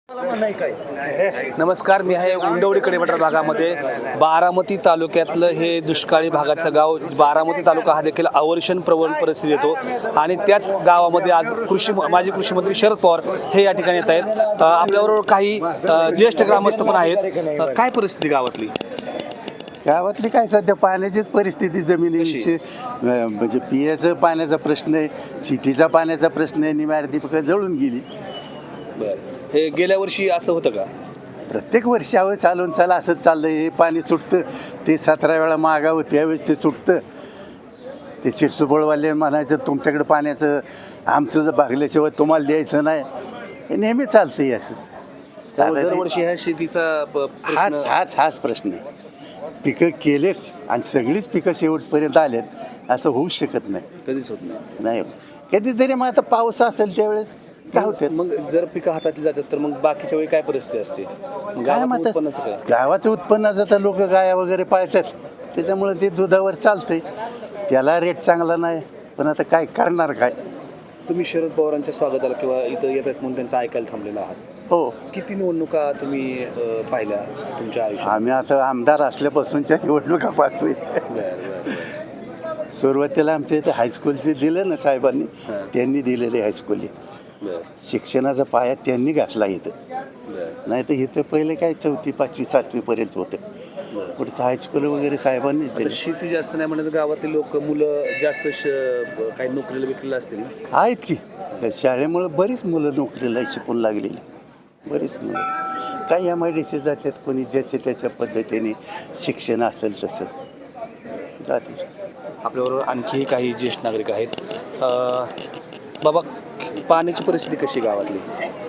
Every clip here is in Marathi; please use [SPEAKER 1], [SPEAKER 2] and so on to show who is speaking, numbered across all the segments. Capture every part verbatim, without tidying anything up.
[SPEAKER 1] नमस्कार, मी आहे उंडवडी कडेपठार भागामध्ये. बारामती तालुक्यातलं हे दुष्काळी भागाचं गाव. बारामती तालुका हा देखील अवर्षण प्रवण परिस्थिती येतो आणि त्याच गावामध्ये आज कृषी माजी कृषी मंत्री शरद पवार हे या ठिकाणी येत आहेत. आपल्याबरोबर काही ज्येष्ठ ग्रामस्थ पण आहेत. काय परिस्थिती गावातली?
[SPEAKER 2] गावातली काय सध्या पाण्याचीच परिस्थिती, जमिनीची म्हणजे पिण्याचं पाण्याचा प्रश्न आहे, सिटीचा पाण्याचा प्रश्न आहे. निवारती पिकं जळून गेली.
[SPEAKER 1] बरं, हे गेल्या वर्षी असं होतं का?
[SPEAKER 2] प्रत्येक वर्षी हवं चालून चाला असंच चाललं. हे पाणी सुटतं, ते सतरा वेळा मागावं, त्यावेळेस ते सुटतं. ते शिरसुबळवाले म्हणायचं तुमच्याकडे पाण्याचं आमचं जर भागल्याशिवाय तुम्हाला द्यायचं नाही. हे नेहमी चालतं आहे असं.
[SPEAKER 1] दरवर्षी ह्या शेतीचा
[SPEAKER 2] हाच हाच हाच प्रश्न आहे. पिकं केलेत आणि सगळीच पिकं शेवटपर्यंत आलेत असं होऊच शकत नाही.
[SPEAKER 1] कधीच होत नाही.
[SPEAKER 2] नाही कधीतरी मग आता पाऊस असेल त्यावेळेस काय होतं.
[SPEAKER 1] मग जर पिकं हातातली जातात तर मग बाकीच्या वेळी काय परिस्थिती असते?
[SPEAKER 2] काय मग
[SPEAKER 1] उत्पन्नाचं काय?
[SPEAKER 2] गावाचं उत्पन्नाचं तर लोक गाया वगैरे पाळतात, त्याच्यामुळे ते दुधावर चालतंय. त्याला रेट चांगला नाही, पण आता काय करणार काय.
[SPEAKER 1] तुम्ही शरद पवारांच्या स्वागताला किंवा इथं येतात म्हणून त्यांचं ऐकायला थांबलेलं आहात.
[SPEAKER 2] हो,
[SPEAKER 1] किती निवडणुका तुम्ही अ, पाहिल्या तुमच्या आयुष्यात?
[SPEAKER 2] आम्ही आता आमदार असल्यापासूनच्या निवडणुका पाहतोय.
[SPEAKER 1] बरं, बरं, बरं.
[SPEAKER 2] सुरुवातीला आमच्या इथे हायस्कूलचे दिलं ना साहेबांनी,
[SPEAKER 1] हां.
[SPEAKER 2] त्यांनी दिलेले हायस्कूल.
[SPEAKER 1] बरं,
[SPEAKER 2] शिक्षणाचा पाया त्यांनी घातला इथं.
[SPEAKER 1] बरं,
[SPEAKER 2] नाही तर इथं पहिले काय चौथी पाचवी सातवीपर्यंत होतं.
[SPEAKER 1] बरं.
[SPEAKER 2] पुढचं हायस्कूल वगैरे साहेबांनी
[SPEAKER 1] आता
[SPEAKER 2] दिलं.
[SPEAKER 1] शेती जास्त नाही म्हणत गावातील लोक मुलं जास्त श काही नोकरीला विकलेलं असतील ना?
[SPEAKER 2] आहेत की शाळेमुळे बरीच मुलं नोकरीला शिकून लागलेली, बरीच मुलं. काही एम आय डी सी जातात, कोणी ज्याच्या त्याच्या पद्धतीने शिक्षण असेल तसं जाते.
[SPEAKER 1] आपल्याबरोबर आणखी काही ज्येष्ठ नागरिक आहेत. अ, बाबा, पाण्याची परिस्थिती कशी गावातली?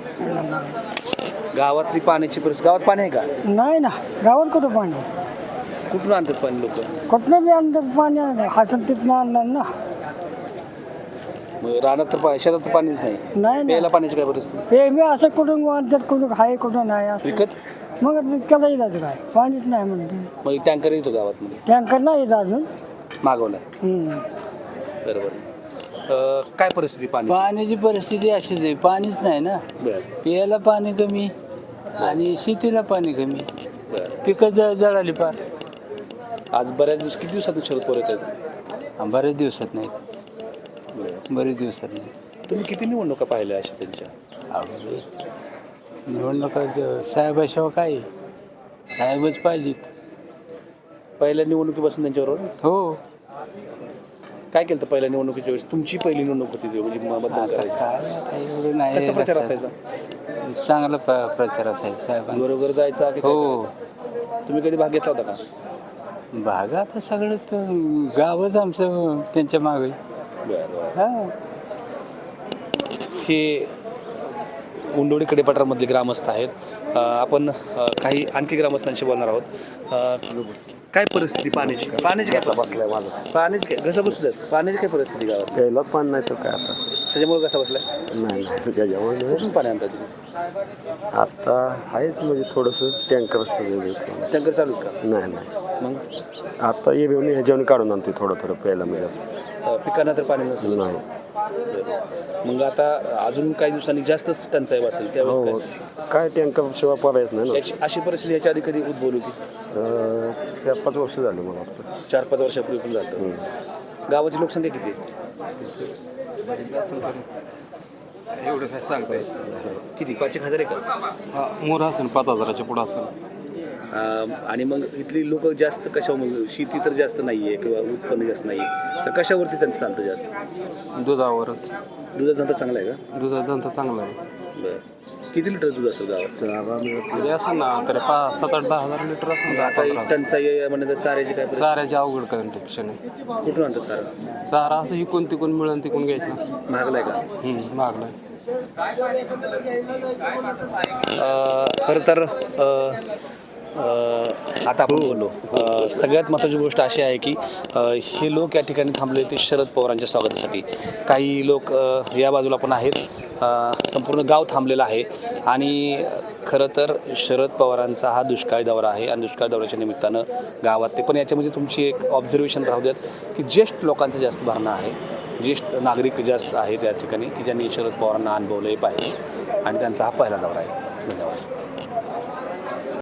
[SPEAKER 1] गावातली पाण्याची परिस्थिती, गावात पाणी आहे का?
[SPEAKER 3] नाही ना, गावात कुठं पाणी?
[SPEAKER 1] कुठून आणतात पाणी लोक?
[SPEAKER 3] कुठलं बी आणतात पाणी, हातून तिथनं आणणार ना.
[SPEAKER 1] मग रानात तर पा- शेतात तर पाणीच नाही.
[SPEAKER 3] नाही
[SPEAKER 1] प्यायला
[SPEAKER 3] ना,
[SPEAKER 1] पाण्याची काय परिस्थिती?
[SPEAKER 3] हे मी असं कुठून आणतात, कुठून आहे कुठं नाही असं.
[SPEAKER 1] विकत?
[SPEAKER 3] मग त्याला इलाज काय, पाणीच नाही म्हणते.
[SPEAKER 1] मग टँकर येतो गावात मध्ये?
[SPEAKER 3] टँकर नाही येत अजून.
[SPEAKER 1] मागवला.
[SPEAKER 3] हम्म.
[SPEAKER 1] बरोबर. अ, काय परिस्थिती पाणी?
[SPEAKER 4] पाण्याची परिस्थिती अशीच आहे, पाणीच नाही ना.
[SPEAKER 1] बरं,
[SPEAKER 4] पियाला पाणी कमी आणि शेतीला पाणी कमी,
[SPEAKER 1] बरं.
[SPEAKER 4] पिकं ज जळाली पार.
[SPEAKER 1] आज बऱ्याच दिवस किती दिवसातून शरद पवार येत आहेत?
[SPEAKER 4] हा, बरेच दिवसात नाही,
[SPEAKER 1] बरं.
[SPEAKER 4] बरेच दिवसात नाही.
[SPEAKER 1] तुम्ही किती निवडणुका पाहिल्या अशा त्यांच्या?
[SPEAKER 4] अवघड आहे. निवडणुका ज- साहेबाशिवाय काय आहे? साहेबच पाहिजेत.
[SPEAKER 1] पहिल्या निवडणुकीपासून त्यांच्याबरोबर
[SPEAKER 4] हो,
[SPEAKER 1] काय केलं तर पहिल्या निवडणुकीच्या वेळेस? तुमची पहिली निवडणूक होती ती, म्हणजे म- मतदान
[SPEAKER 4] आता
[SPEAKER 1] करायचं.
[SPEAKER 4] काय आता एवढं नाही.
[SPEAKER 1] कसा प्रचार असायचा?
[SPEAKER 4] चांगला प्र- प्रचार असायचा साहेबांचा.
[SPEAKER 1] बरोबर जायचा की काय
[SPEAKER 4] हो,
[SPEAKER 1] करायचं? तुम्ही कधी भाग घेतला होता का?
[SPEAKER 4] भाग आता सगळं तर गावच आमचं त्यांच्या मागे.
[SPEAKER 1] बरं, बरं.
[SPEAKER 4] हा,
[SPEAKER 1] हे उंडोडी कडेपठारामधले ग्रामस्थ आहेत. अ, आपण अ, काही आणखी ग्रामस्थांशी बोलणार आहोत. अ, काय परिस्थिती पाण्याची? पाण्याची काय बसलाय माझा? पाण्याची काय घसा बसल्यात? पाण्याची काय परिस्थिती गावात?
[SPEAKER 5] प्यायला पाणी नाही तर काय आता.
[SPEAKER 1] त्याच्यामुळे कसा बसलाय?
[SPEAKER 5] नाही नाही त्याच्यामुळे नाही.
[SPEAKER 1] कुठून पाणी आणतात तुम्ही?
[SPEAKER 5] आता आहेच म्हणजे थोडंसं टँकर असतं.
[SPEAKER 1] टँकर चालू आहेत का?
[SPEAKER 5] नाही नाही
[SPEAKER 1] मग
[SPEAKER 5] आता ये येऊन ह्याच्यावर काढून आणते थोडं थोडं प्यायला म्हणजे असं.
[SPEAKER 1] अ, पिकांना तर पाणी नसेल.
[SPEAKER 5] नाही.
[SPEAKER 1] मग आता अजून काही दिवसांनी जास्तच टंचाई असेल त्यावेळेस
[SPEAKER 5] हो
[SPEAKER 1] काय?
[SPEAKER 5] काय टँकर शिवाय पर्यायच नाही ना.
[SPEAKER 1] याची अशी परिस्थिती याच्या आधी कधी उद्भवली होती?
[SPEAKER 5] अं, चार पाच वर्ष झाली मला वाटतं.
[SPEAKER 1] चार पाच वर्षापूर्वी पण झालं. गावाची लोकसंख्या किती आहे?
[SPEAKER 6] एवढं काय सांगता येतं.
[SPEAKER 1] किती? पाच एक हजार आहे का?
[SPEAKER 6] हा मोर असेल पाच हजाराच्या पुढं असेल.
[SPEAKER 1] अं, आणि मग इथली लोक जास्त कशावर, मग शेती तर जास्त नाही आहे किंवा उत्पन्न जास्त नाही आहे, तर कशावरती त्यांचं चालतं जास्त?
[SPEAKER 6] दुधावरच.
[SPEAKER 1] दुधाचा धंदा चांगला आहे का?
[SPEAKER 6] दुधाचा धंदा चांगला आहे.
[SPEAKER 1] बरं. किती लिटर दूध असेल गावात?
[SPEAKER 6] तरी असं ना तरी पाच सात आठ दहा हजार लिटर असेल. दहा
[SPEAKER 1] आता
[SPEAKER 6] पंधरा.
[SPEAKER 1] टंचाई आहे म्हणजे चाऱ्याची काय परिस्थिती?
[SPEAKER 6] चाऱ्याची अवघड कंडिक्शन आहे.
[SPEAKER 1] कुठून आणतात चारा?
[SPEAKER 6] चारा असं इकून तिकून मिळून तिकून घ्यायचं.
[SPEAKER 1] महागलाय का?
[SPEAKER 6] हम्म, मागलाय.
[SPEAKER 1] अ, खरं तर अ, अ, आता आपण बोललो. अ, सगळ्यात महत्त्वाची गोष्ट अशी आहे की अ, हे लोक या ठिकाणी थांबले होते शरद पवारांच्या स्वागतासाठी. काही लोक अ, या बाजूला पण आहेत. अ, संपूर्ण गाव थांबलेलं आहे आणि खरं तर शरद पवारांचा हा दुष्काळी दौरा आहे आणि दुष्काळ दौऱ्याच्या निमित्तानं गावात ते पण याच्यामध्ये तुमची एक ऑब्झर्वेशन राहू द्यात की ज्येष्ठ लोकांचं जास्त भरणं आहे. ज्येष्ठ नागरिक जास्त आहेत या ठिकाणी की ज्यांनी शरद पवारांना अनुभवलंही पाहिजे आणि त्यांचा हा पहिला दौरा आहे. धन्यवाद.